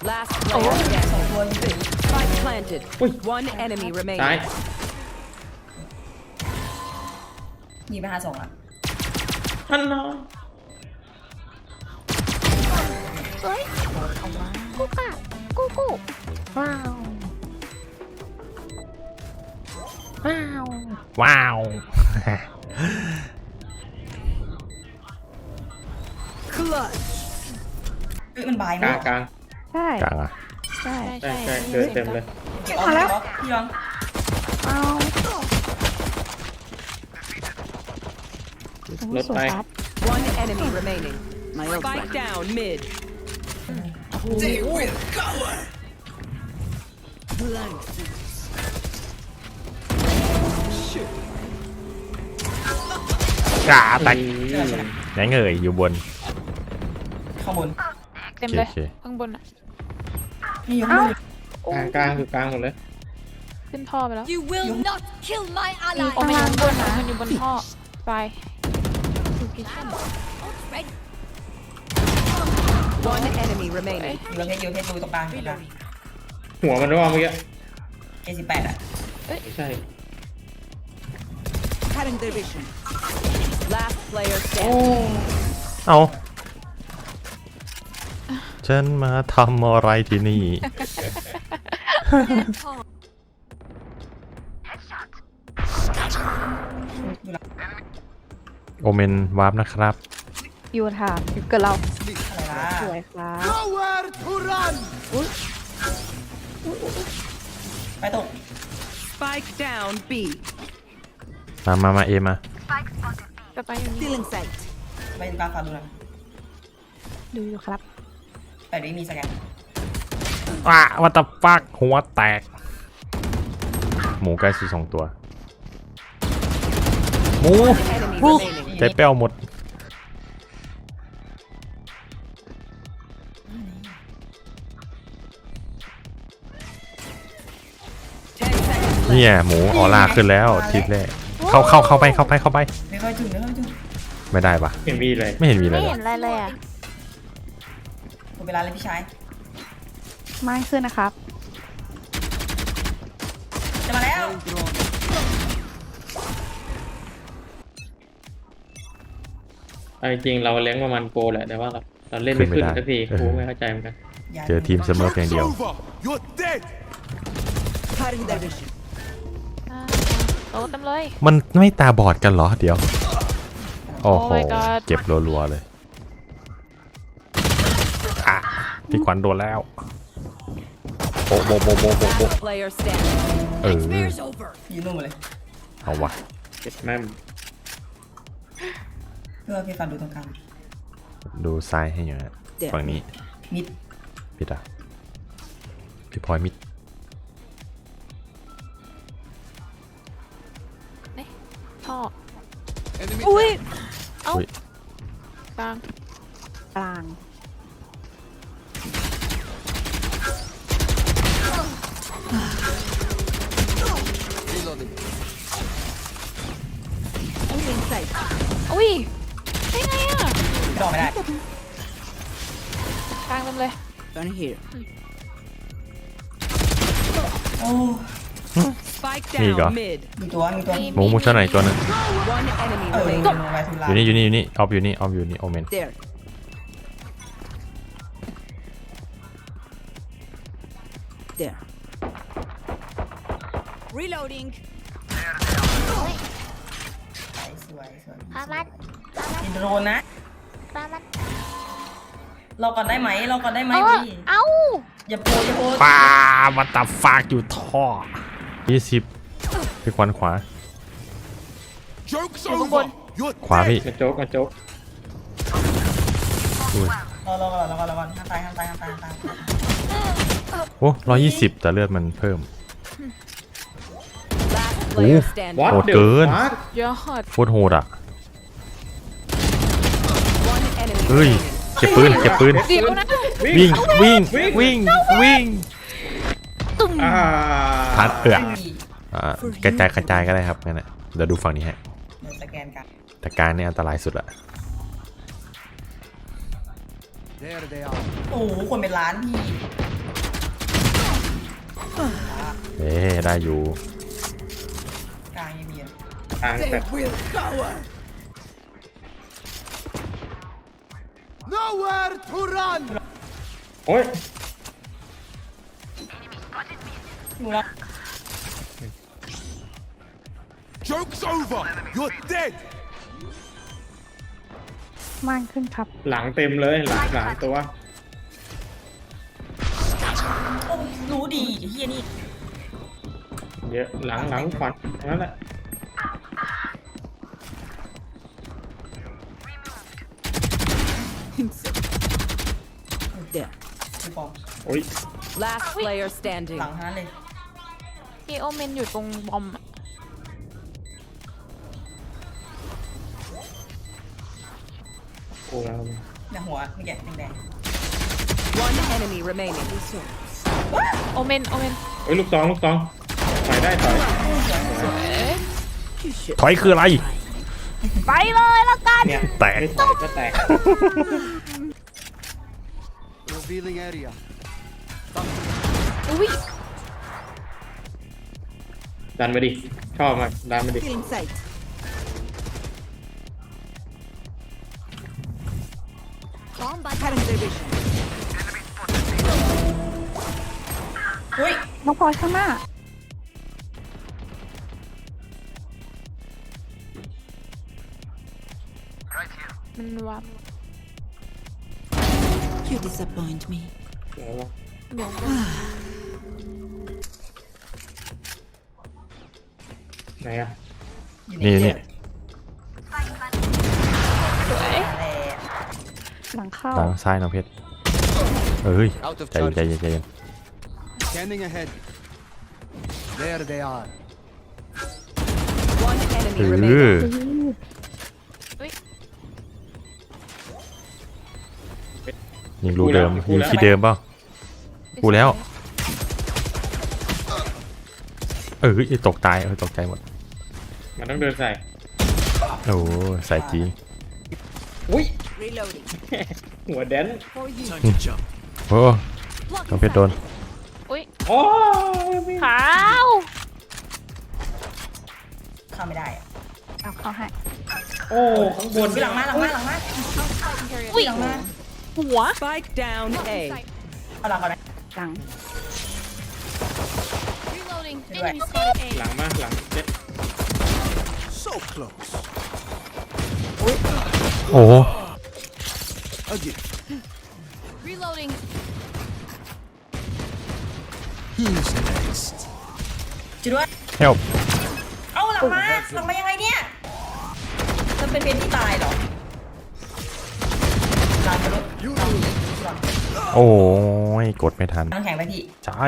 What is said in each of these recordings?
Last player standing. ตัวนี้ Spike planted. Ui. One enemy ตาย remaining. มีไป52อ่ะท่านน้องเฮ้ยกูค่ะกูว้าว ว้าวว้าว Clutch. เฮ้ยมันบายกลามั้งกลางใช่กลางอ่ะใช่ใช่ใช่เดินเต็มเลยเก็บออกเก็บออกพี่ยองเอารถไป One enemy remaining. Spike down mid. They will cover. กาแตกเชื่อใช่ไหมไหนเงยอยู่บนข้างบนเต็มเลยโอเคข้างบนอ่ะนี่อยู่ข้างบนกลางกลางอยู่กลางหมดเลยขึ้นท่อไปแล้ว You will not kill my โอ้ ally. ไม่อยู่บนนะมันอยู่บนท่อไป One enemy remaining. อยู่ประเภทอยู่ประเภทดูตรงกลางตรงกลางหัวมันว่าเมื่อกี้ A18อ่ะไม่ใช่ Last player standing. เอาฉันมาทำอะไรที่นี่ โอเมนวาร์ปนะครับอยู่ถามอยู่กับเราอะไรล่ะสวยครับ Nowhere to run. ไปตก Spike down B. มาเอมาจะไปอยู่นี่ Stealing sight. ไปตรงกลางฝาดูหน่อยดูอยู่ครับแต่ดีมีสแกนว้าวัตฟักหัวแตก หมูใกล้สี่สองตัว หมู Enemy remaining. ใจเป้วหมด 10 seconds เนี่ย left. หมูออร่าขึ้นแล้วทีแรกเข้าไปไม่ค่อยถึงไม่ค่อยถึงไม่ได้ปะเห็นมีเลยไม่เห็นมีอะไรไม่เลยเห็นอะไรเลยอ่ะหมดเวลาเลยพี่ชายไม่ขึ้นนะครับจะมาแล้วเอาจริงๆเราเลี้ยงประมาณโกแหละแต่ว่าเราเล่นไม่ขึ้นสักทีกูไม่เข้าใจเหมือนกันเจอทีมเสมอเพียงเดียว Over. You're dead. โตเต็มเลยมันไม่ตาบอดกันเหรอเดี๋ยว โอ้โห Oh my god เจ็บรัวๆเลยอ่ะพี่ขวัญโดนแล้วโบ Last player standing. เออ Nightmare's over. ยืนนู่นมาเลยเอาวะเจ็บแม่มเพื่อพี่ฟันดูตรงกลางดูซ้ายให้อยู่นะฝั่งนี้มิดพี่ตาพี่พลอยมิดท่อ Enemy อุ้ย down. เอ้าอุ๊ยกลางกลาง Reloading. อุ้ยได้ไงอ่ะดอกไม่ได้กลางเต็มเลยโอ้ Spike Here you go. down mid. มีตัวมีตัวหมูช่วยหน่อยตัวหนึง One enemy เออ remaining. ลงไปทุลาอยู่นี่ออฟอยู่นี่โอเมน There. There. Reloading. สวยอามัดมีโดรนนะอามัดเราก่อนได้ไหมเราก่อนได้ไหมเอ้าพี่เอ้าอย่าโพอย่าโพป้าวัตฟากอยู่ท่อ20พี่ขวัญขวา Joke's You're over. good. You're ขวาพี่กระโจกกระโจกอุ้ยเราก่อนห้ามตายโอ้120แต่เลือดมันเพิ่ม Last player Ooh. standing. วัดโหดเดืเกินวัดยอดโคตรโหดอ่ะ One enemy เฮ้ย remaining. เก็บปืนเดี๋ยวนะวิ่งอ่าพัดกระจายก็ได้ครับงั้นแหละเดี๋ยวดูฝั่งนี้ฮะเดี๋ยวสแกนกันแต่การเนี่ยอันตรายสุดละ There they are. โอ้โหคนเป็นล้านพี่เอ๊ะได้อยู่กลางยังมีอ่ะทางแต่ will cower. Nowhere to run. โอ้ยอยู่แล้ว Joke's over. You're dead. มากขึ้นครับหลังเต็มเลยหลังตัวโอ้รู้ดีไอ้เฮียนี่เยอะหลังฝันนั่นแหละ There. พี่ปองโอ้ย Last player standing. หลังทั้งนั้นเลยพี่โอเมนอยู่ตรงบอมอะโอ้แล้วเนี่ยหัวเมื่อกี้แดง One enemy remaining. โอเมนเฮ้ยลูกซองถอยได้ถอยถอยคืออะไรไปเลยละกันเนี่ยแตกไม่ถอยก็แตก Revealing area. อุ้ยดันมาดิชอบมากดันมาดิ Feeling sight. Bomb by Cutting their vision. ๆอุ้ยน้องพลอยข้างหน้า มันวับ You disappoint me. เดี๋ยวนะเดี๋ยวไหนอะอยู่ในนี่เชืนี่อกสวยแต่หลังเข้าทางซ้ายน้องเพชรเอ้ย Out of ใจเย็น charge. ใจเย็นใจเย็น Scanning ahead. There they are. One เอ enemy อ remaining. ยิงรูเดิมยิงที่เดิมเปล่ากูแล้วตกตายตกใจหมดมันต้องเดินใส่โอ้ใส่จริงอุ้ย Reloading. หัวแดน For you. โอ้น้องเพชรโดนอุ้ยโอ้ยขาวเข้าไม่ได้อะเอาเข้าให้โอ้ข้างบนหลังมาอุ้ยหลังมาหัว Spike down A. เอาหลังก่อนนะหลัง reloading. Right. Enemy spotted A. หลังมาหลังเจ็ด So close. โอ้ A gift. Reloading. Who's next? ช่วยด้วยเฮลเอาหลังมายังไงเนี่ยจะเป็นเพนที่ตายเหรอหลังทะลุโอ้ยกดไม่ทันน้ำแข็งไปพี่ใช่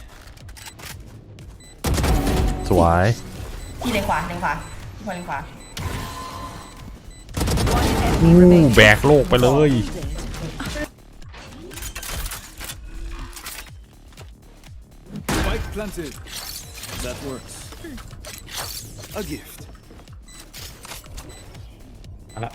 สวยพี่เลนขวาพี่พอเลนขวาแบกโลกไปเลย Spike planted. That works. A gift. เอาละ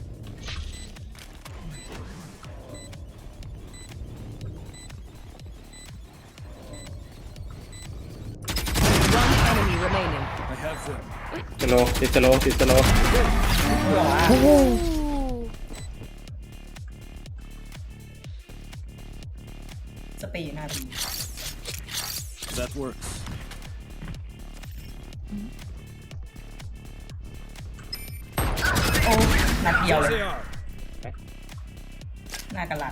One enemy remaining. I have them. สโลว์ติดสโลว์สเปรย์อยู่หน้าพี่ That works. โอ้นัดเดียวเลย They are. หน้ากระหลัด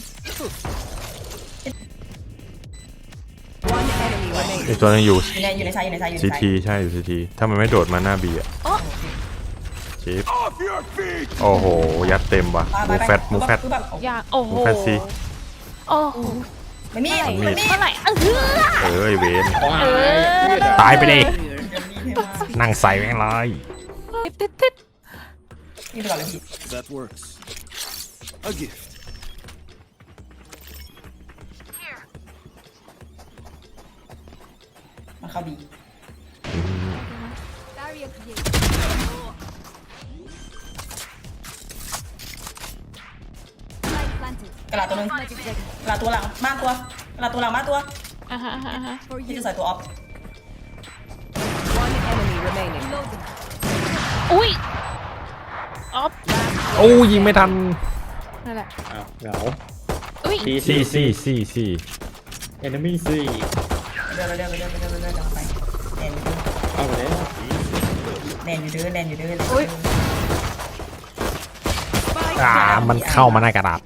One enemy remaining. ไอตัวนึงอยู่อยู่ในซ้ายอยู่ในซ้ายอยู่ในซีซ้ายทีใช่อยู่ซีทีถ้ามันไม่โดดมาหน้าบีอะชิป Off your feet. โอ้โห ยัดเต็มว่ะไปมูแฟตมูแฟตคือแบบอยากโอ้โหมูแฟตซีโอ้โหไม่มีมันมีไม่มีเมื่อไหร่เออเวนว้ายตายไปดิเท่มากนั่งใส่แม่งเลยติดนี่ไปก่อนเลยพี่ That works. A gift. มันเข้าบี Barrier created. Light planted. กระหลัดตัวหนึงกระหลัดตัวหลังบ้านตัวกระหลัดตัวหลังบ้านตัวฮะ For พี่ you. จะใส่ตัวออฟ One enemy remaining. Reloading. อุ้ยออฟโอ้ยิงไม่ทันนั่นแหละอ้าวเหงาอุ้ยซี่ enemy ซีเดินไปเดินไปแนนเอาไปแล้วอยู่เด้อแนนอยู่เด้อมันเข้ามาในกระดาษ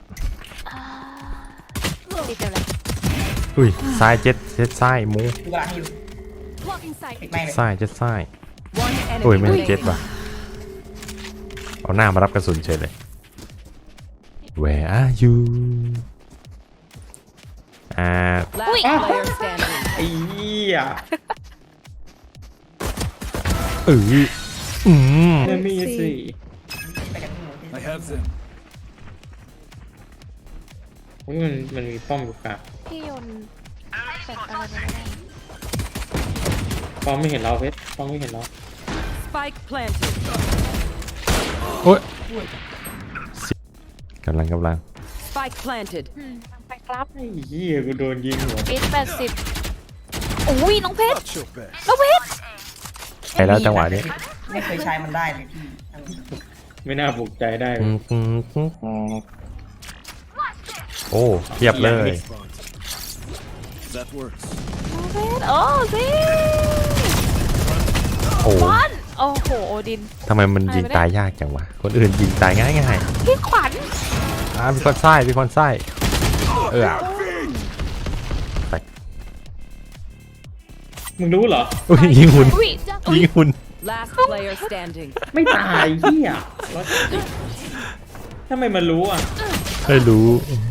ติดเดียวเลยอุ้ยซ้ายเจ็ดซ้ายหมูดูกระดาษอยู่ Blocking sight. ปิดไม่เลยซ้ายเจ็ดซ้าย One enemy โอ้ยไม่ใช่เจ็ด remaining. ว่ะเอาหน้ามารับกระสุนเฉยเลย Where are you Last player standing. ไอ้เหี้ย enemy ซีไปกันที่หมู I have them. อุ้ยมันมีป้อมอยู่กลางพี่โยนแฟลชอะไรไม่ได้ป้อมไม่เห็นเราเพชรป้อมไม่เห็นเรา Spike planted. โอ้ยกำลัง Spike planted. ไปครับไอ้เหี้ยกูโดนยิงหัวเอส80อุ้ยน้องเพชร Not your best. น้องเพชรไปแล้วจังหวะนี้ไม่เคยใช้มันได้เลยพี่ไม่น่าปลุกใจได้เลยโอ้เทียบเลย Spot. That works. น้องเพชรโอ้สิโอ้บอลโอ้โหโอดินทำไมมันยิงตายยากจังวะคนอื่นยิงตายง่ายพี่ขวัญมีคนไส้ไปมึงรู้เหรออุ้ยยิงหุ่นอุ้ยยิงหุ่น Last player standing. ไม่ตายเหี้ยทำไมมันรู้อ่ะไม่รู้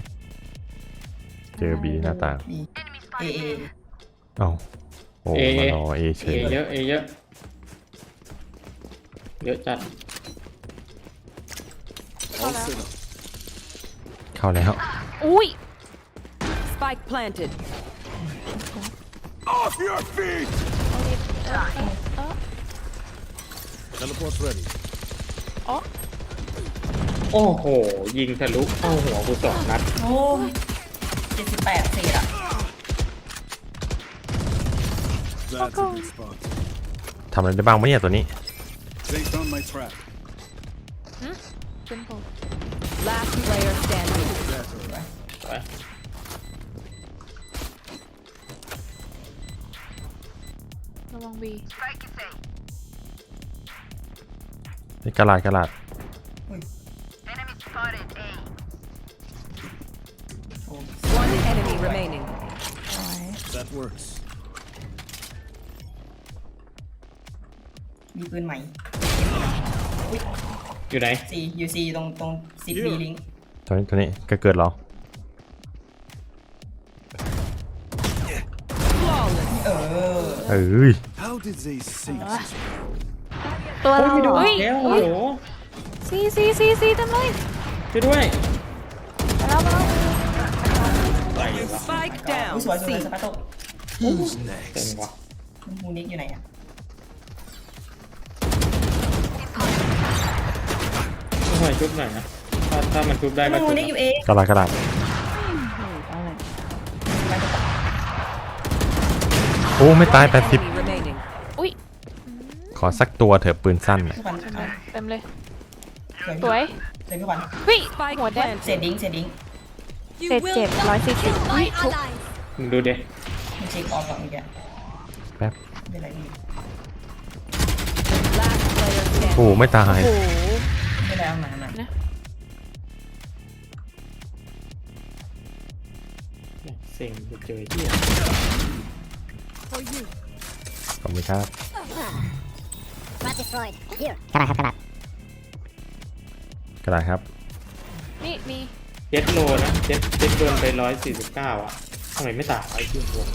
เจอบีหน้าต่างเอเอ้าโอ้มารอเอเฉเอย เยอะเยอะเยอะจัด All set up. เข้าแล้วอุ้ย Spike planted. Off your feet! Teleport ready. โอ้โหยิงทะลุเข้าหัวกู2 นัดโอ้78เศษอ่ะ That's a good spot. ทำอะไรได้บ้างวะเนี่ยตัวนี้ They found my trap. เป็นผม Last player standing. ไประวังบีนี่กระลาด One enemy remaining. That works. มีปืนใหม่อยู่ไหนยูซีตรงซิปบีลิงตัวนี้ก็เกิดเหรอ Flawless. เอ้ย How did they sink this? ตัวเราไม่โดนอุ้ยแล้วโอ้อุ้ยโหซีเต็มเลยช่วยด้วยมาแล้วไหลวะ Spike อุ้ย down. สวยส C. ปาโต้ Who's เต็ม next? วะมูนิกอยู่ไหนอ่ะช่วยชุบหน่อยนะถ้ามันชุบได้ก็มูชุบนิกอยู่เองกระลาดโอ้ไม่ตาย Enemy remaining. อุ้ย 80ขอสักตัวเถอะปืนสั้นน่ะพี่ขวัญเต็มเลยสวยสวยเลยพี่ขวัญวิ Spike หัวแดงเศษดิ้ง You Set will jet, not 140. kill my Wait, allies. มึงดูดิมันเช็คออฟก่อนเมื่อกี้แป๊บไม่เป็นไรพี่ Last player standing. โอ้ไม่ตายโอ้โหไม่เป็นไรเอามาเซ็งไปเจอเหี้ย For you. ขอบคุณครับ Rat destroyed. Here. กระดาษครับนี่มีเจ็ดโลนะเจ็ดโดนไป149อ่ะทำไมไม่ตายไอ้ที่หัว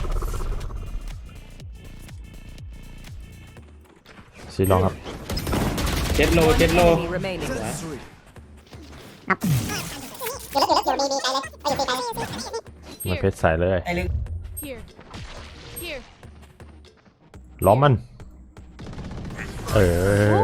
ซีลองครับเจ็ดโล Enemy remaining. That's 3. มาเพชรใส่เลยไอ้ลึก Here. Here. ล้อมมันโอ้